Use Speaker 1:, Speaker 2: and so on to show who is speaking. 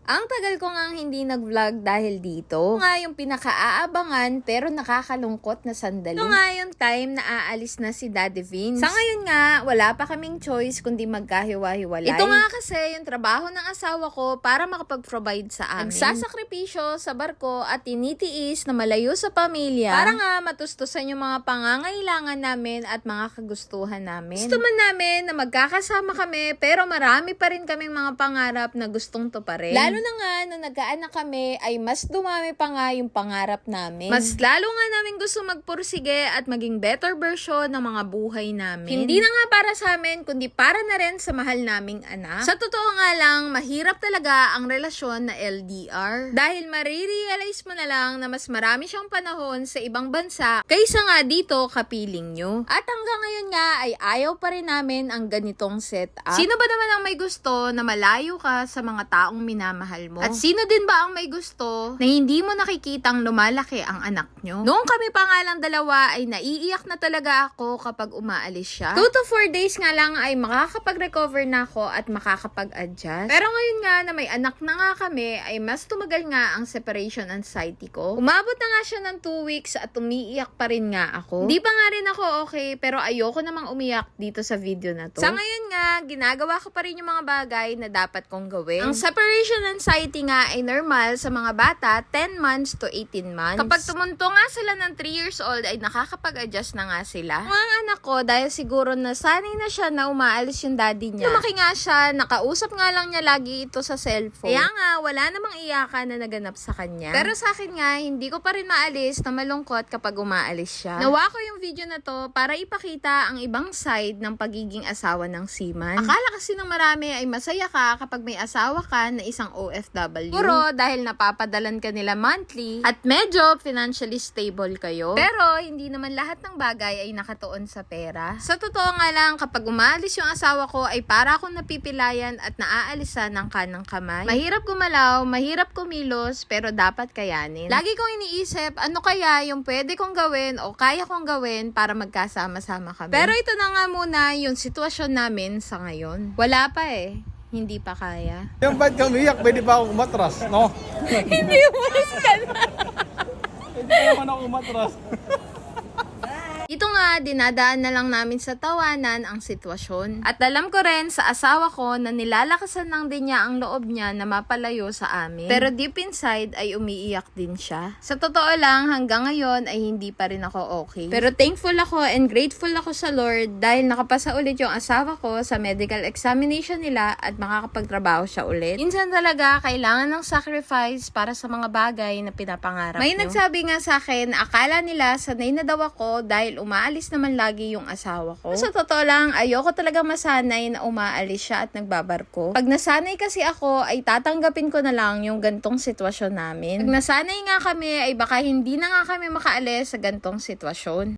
Speaker 1: Ang tagal ko ngang hindi nag-vlog dahil dito. Ito nga yung pinaka-aabangan pero nakakalungkot na sandali. Ito nga yung time na aalis na si Daddy Vince. Sa ngayon nga, wala pa kaming choice kundi magkahiwa-hiwalay. Ito nga kasi yung trabaho ng asawa ko para makapag-provide sa amin. Nagsasakripisyo sa barko at tinitiis na malayo sa pamilya para nga matustusan yung mga pangangailangan namin at mga kagustuhan namin. Gusto man namin na magkakasama kami pero marami pa rin kaming mga pangarap na gustong tuparin. Lalo na nga, nung nagkaanak kami, ay mas dumami pa nga yung pangarap namin. Mas lalo nga namin gusto magpursige at maging better version ng mga buhay namin. Hindi na nga para sa amin, kundi para na rin sa mahal naming anak. Sa totoo nga lang, mahirap talaga ang relasyon na LDR. Dahil marirealize mo na lang na mas marami siyang panahon sa ibang bansa kaysa nga dito kapiling nyo. At hanggang ngayon nga, ay ayaw pa rin namin ang ganitong setup. Sino ba naman ang may gusto na malayo ka sa mga taong minamahal mo? At sino din ba ang may gusto na hindi mo nakikitang lumalaki ang anak nyo? Noong kami pa nga lang dalawa ay naiiyak na talaga ako kapag umaalis siya. 2 to 4 days nga lang ay makakapag-recover na ako at makakapag-adjust. Pero ngayon nga na may anak na nga kami ay mas tumagal nga ang separation anxiety ko. Umabot na nga siya ng 2 weeks at umiiyak pa rin nga ako. Di pa nga rin ako okay pero ayoko namang umiyak dito sa video na to. Sa ngayon nga, ginagawa ko pa rin yung mga bagay na dapat kong gawin. Ang separation anxiety nga ay normal sa mga bata 10 months to 18 months. Kapag tumunto nga sila ng 3 years old ay nakakapag-adjust na nga sila. Ang anak ko dahil siguro nasanay na siya na umaalis yung daddy niya. Lumaki nga siya, nakausap nga lang niya lagi ito sa cellphone. Kaya nga wala namang iyakan na naganap sa kanya. Pero sa akin nga hindi ko pa rin maalis na malungkot kapag umaalis siya. Nawa ko yung video na to para ipakita ang ibang side ng pagiging asawa ng seaman. Akala kasi ng marami ay masaya ka kapag may asawa ka na isang OFW. Puro dahil napapadalan ka nila monthly at medyo financially stable kayo. Pero hindi naman lahat ng bagay ay nakatuon sa pera. Sa totoo nga lang, kapag umaalis yung asawa ko ay para akong napipilayan at naaalisan ng kanang kamay. Mahirap gumalaw, mahirap kumilos, pero dapat kayanin. Lagi kong iniisip, ano kaya yung pwede kong gawin o kaya kong gawin para magkasama-sama kami. Pero ito na nga muna yung sitwasyon namin sa ngayon. Wala pa eh. Hindi pa kaya.
Speaker 2: Yung ba't ka umiyak, pwede ba ako umatras, no?
Speaker 1: Hindi umalis ka na.
Speaker 2: Pwede naman ako umatras.
Speaker 1: Ito nga, dinadaan na lang namin sa tawanan ang sitwasyon. At alam ko rin sa asawa ko na nilalakasan lang din niya ang loob niya na mapalayo sa amin. Pero deep inside ay umiiyak din siya. Sa totoo lang, hanggang ngayon ay hindi pa rin ako okay. Pero thankful ako and grateful ako sa Lord dahil nakapasa ulit yung asawa ko sa medical examination nila at makakapagtrabaho siya ulit. Minsan talaga, kailangan ng sacrifice para sa mga bagay na pinapangarap nyo. May nagsabi nga sa akin, akala nila sanay na daw ako dahil umaalis naman lagi yung asawa ko. Sa totoo lang, ayoko talaga masanay na umaalis siya at nagbabarko. Pag nasanay kasi ako, ay tatanggapin ko na lang yung gantong sitwasyon namin. Pag nasanay nga kami, ay baka hindi na nga kami makaalis sa gantong sitwasyon.